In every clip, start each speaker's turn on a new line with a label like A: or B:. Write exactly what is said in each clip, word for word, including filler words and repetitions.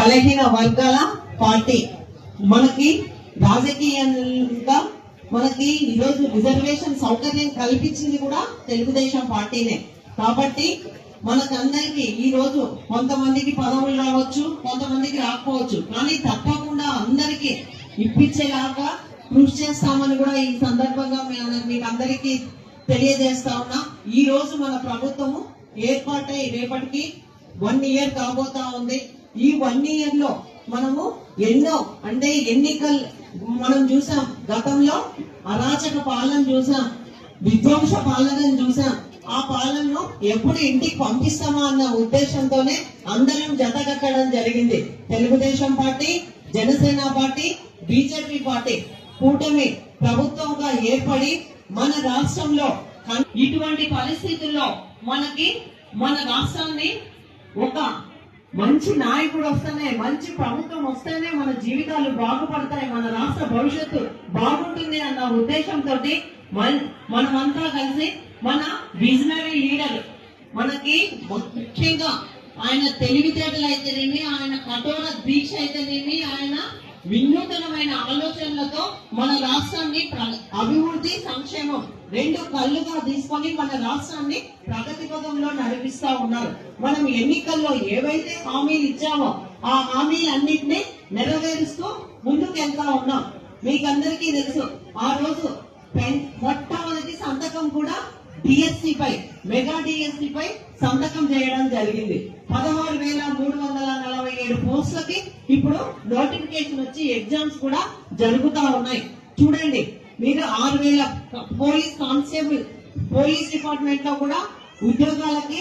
A: బలహీన వర్గాల పార్టీ. మనకి రాజకీయంగా మనకి ఈరోజు రిజర్వేషన్ సౌకర్యం కల్పించింది కూడా తెలుగుదేశం పార్టీనే. కాబట్టి మనకందరికి ఈ రోజు కొంతమందికి పదవులు రావచ్చు, కొంతమందికి రాకపోవచ్చు, కానీ తప్పకుండా అందరికి ఇప్పించేలాగా కృషి చేస్తామని కూడా ఈ సందర్భంగా మీకు అందరికీ తెలియజేస్తా ఉన్నా. ఈ రోజు మన ప్రభుత్వము ఏర్పాటై రేపటికి వన్ ఇయర్ కాబోతా ఉంది. ఈ వన్ ఇయర్ లో మనము ఎన్నో అంటే ఎన్నికలు మనం చూసాం, గతంలో అరాచక పాలన చూసాం, విధ్వంస పాలనను చూసాం. ఆ పాలనను ఎప్పుడు ఇంటికి పంపిస్తామా అన్న ఉద్దేశంతోనే అందరం జతకట్టడం జరిగింది. Telugu Desam party, Janasena party, BJP party కూటమి ప్రభుత్వంగా ఏర్పడి మన రాష్ట్రంలో ఇటువంటి పరిస్థితుల్లో మనకి మన రాష్ట్రాన్ని ఒక మంచి నాయకుడు వస్తేనే, మంచి ప్రభుత్వం వస్తేనే మన జీవితాలు బాగుపడతాయి, మన రాష్ట్ర భవిష్యత్తు బాగుంటుంది అన్న ఉద్దేశంతో మనమంతా కలిసి మన విజనరీ లీడర్ మనకి ముఖ్యంగా ఆయన తెలివితేటలు అయితేనేమి, ఆయన కఠోర దీక్ష అయితేనేమి, ఆయన వినూతనమైన ఆలోచనలతో మన రాష్ట్రాన్ని అభివృద్ధి సంక్షేమం రెండు కళ్ళుగా తీసుకొని మన రాష్ట్రాన్ని ప్రగతి పదంలో నడిపిస్తా ఉన్నారు. మనం ఎన్నికల్లో ఏవైతే హామీలు ఇచ్చామో ఆ హామీలన్నింటినీ నెరవేరుస్తూ ముందుకు వెళ్తా ఉన్నాం. మీకందరికీ తెలుసు, ఆ రోజు మొట్టమొదటి సంతకం కూడా డిఎస్సి పై, మెగా డిఎస్సి పై సంతకం చేయడం జరిగింది. పదహారు వేల మూడు వందల నలభై ఏడు పోస్టులకి ఇప్పుడు నోటిఫికేషన్ వచ్చి ఎగ్జామ్స్ కూడా జరుగుతా ఉన్నాయి. చూడండి మీరు, ఆరు వేల పోలీస్ కానిస్టేబుల్ పోలీస్ డిపార్ట్మెంట్ లో కూడా ఉద్యోగాలకి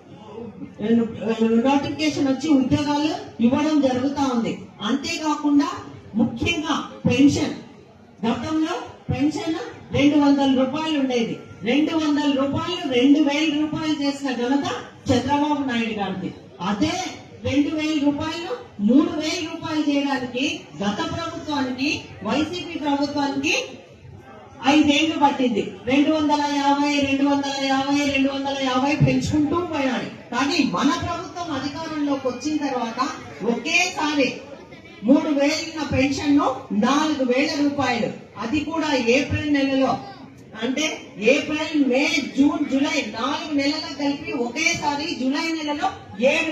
A: నోటిఫికేషన్ వచ్చి ఉద్యోగాలు ఇవ్వడం జరుగుతా ఉంది. అంతేకాకుండా ముఖ్యంగా పెన్షన్, గతంలో పెన్షన్ రెండు వందల రూపాయలు ఉండేది, రెండు వందల రూపాయలు రెండు వేల రూపాయలు చేసిన ఘనత చంద్రబాబు నాయుడు గారిది. అదే రెండు వేల రూపాయలు మూడు వేల రూపాయలు చేయడానికి గత ప్రభుత్వానికి, వైసీపీ ప్రభుత్వానికి ఐదేళ్లు పట్టింది. రెండు వందల యాభై రెండు వందల యాభై రెండు వందల యాభై పెంచుకుంటూ పోయాడు. కానీ మన ప్రభుత్వం అధికారంలోకి వచ్చిన తర్వాత ఒకేసారి మూడు వేల పెన్షన్ ను నాలుగు వేల రూపాయలు, అది కూడా ఏప్రిల్ నెలలో, అంటే ఏప్రిల్, మే, జూన్, జూలై నాలుగు నెలలకు కలిపి ఒకేసారి జూలై నెలలో ఏడు.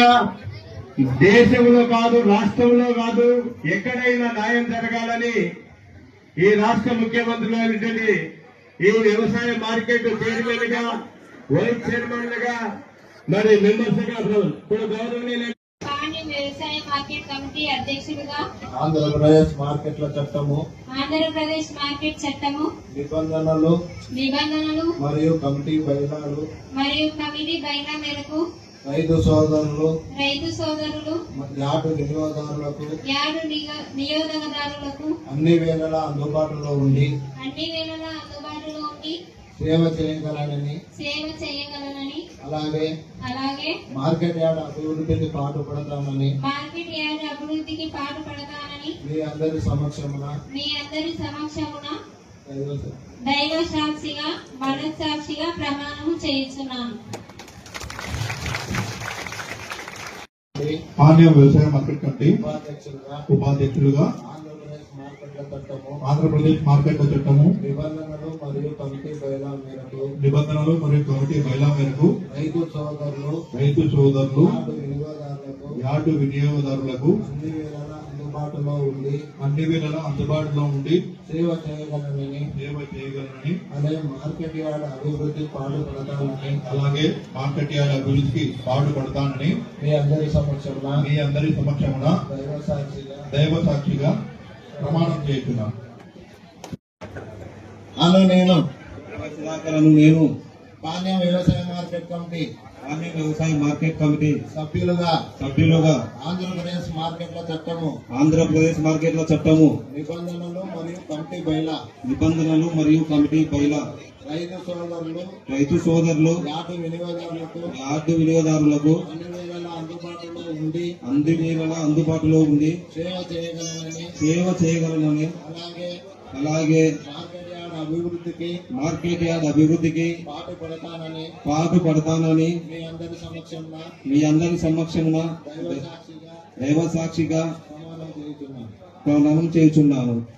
B: దేశంలో కాదు, రాష్ట్రంలో కాదు, ఎక్కడైనా న్యాయం జరగాలని ఈ రాష్ట్ర ముఖ్యమంత్రులు ఈ వ్యవసాయ మార్కెట్ చైర్మన్ గా, వైస్ చైర్మన్ గా, మరి మెంబర్స్ గా కూడా గౌరవనీయులు
C: వ్యవసాయ మార్కెట్ కమిటీ అధ్యక్షులుగా
D: ఆంధ్రప్రదేశ్ మార్కెట్ల చట్టము
C: ఆంధ్రప్రదేశ్ మార్కెట్ చట్టము
D: నిబంధనలు
C: నిబంధనలు
D: మరియు కమిటీ బయలాలు
C: మరియు కమిటీ బయలా మేరకు
D: రైతు సోదరులు
C: రైతు సోదరులు
D: యాటు వినియోగదారులకు
C: యాటు నియోజకదారులకు
D: అన్ని వేళలా అందుబాటులో ఉండి
C: అన్ని వేళలా అందుబాటులో ఉండి
D: సేవ చేయగలనని
C: సేవ చేయగలనని
D: అలాగే
C: అలాగే
D: మార్కెట్ యార్డ్ అభివృద్ధికి పాటుపడతానని
C: మార్కెట్ యార్డ్ అభివృద్ధికి పాటుపడతానని
D: మీ అందరి సమక్షమున
C: మీ అందరి సమక్షమున
D: దైవ
C: దైవ సాక్షిగా మనస్సాక్షిగా ప్రమాణం చేస్తున్నాను.
E: పానీయ వ్యవసాయ మార్కెట్ కమిటీ
D: ఉపాధ్యక్షులుగా
E: ఉపాధ్యక్షులుగా
D: ఆంధ్రప్రదేశ్ మార్కెట్ల చట్టము
E: ఆంధ్రప్రదేశ్ మార్కెట్ల చట్టము
D: నిబంధనలు మరియు కమిటీ బయలా మేరకు
E: నిబంధనలు మరియు కమిటీ బయలా మేరకు
D: రైతు సోదరులు
E: రైతు సోదరులు
D: యాటు వినియోగదారులకు
E: యాటు వినియోగదారులకు
D: అన్ని వేళలా అందుబాటులో ఉండి
E: అన్ని వేళలా అందుబాటులో ఉండి
D: సేవ చేయగలనని
E: సేవ చేయగలనని
D: అదే మార్కెట్ యార్డ్ అభివృద్ధి పాటుపడతానని
E: అలాగే మార్కెట్ యార్డ్ అభివృద్ధికి పాటుపడతానని
D: మీ అందరి సమక్షంలో
E: మీ అందరి సమక్షమున
D: దైవ సాక్షిగా
E: దైవ సాక్షిగా ప్రమాణం చేస్తున్నాను.
D: అను నేను
B: సుధాకరను నేను
D: పానీయ వ్యవసాయ మార్కెట్ కమిటీ
B: పానీయ వ్యవసాయ మార్కెట్ కమిటీ
D: సభ్యులుగా
B: సభ్యులుగా
D: ఆంధ్రప్రదేశ్ మార్కెట్ల చట్టము
B: ఆంధ్రప్రదేశ్ మార్కెట్ల చట్టము
D: నిబంధనలు మరియు కమిటీ బయలా
B: నిబంధనలు మరియు కమిటీ బయలా
D: రైతు సోదరులు
B: రైతు సోదరులు
D: యాటు వినియోగదారులకు
B: యార్డు వినియోగదారులకు
D: అన్ని వేళలా అందుబాటులో ఉండి
B: అన్ని వేళలా అందుబాటులో ఉండి
D: సేవ చేయగలనని
B: సేవ చేయగలనని
D: అలాగే
B: అలాగే
D: మార్కెట్ యార్డ్ అభివృద్ధికి
B: మార్కెట్ యార్డ్ అభివృద్ధికి
D: పాటుపడతానని
B: పాటుపడతానని
D: మీ అందరి సమక్షంలో
B: మీ అందరి సమక్షమున
D: దైవ సాక్షిగా
F: దైవ సాక్షిగా
D: ప్రమాణం చేయుచున్నాను.
F: ప్రమాణం చేయుచున్నాను.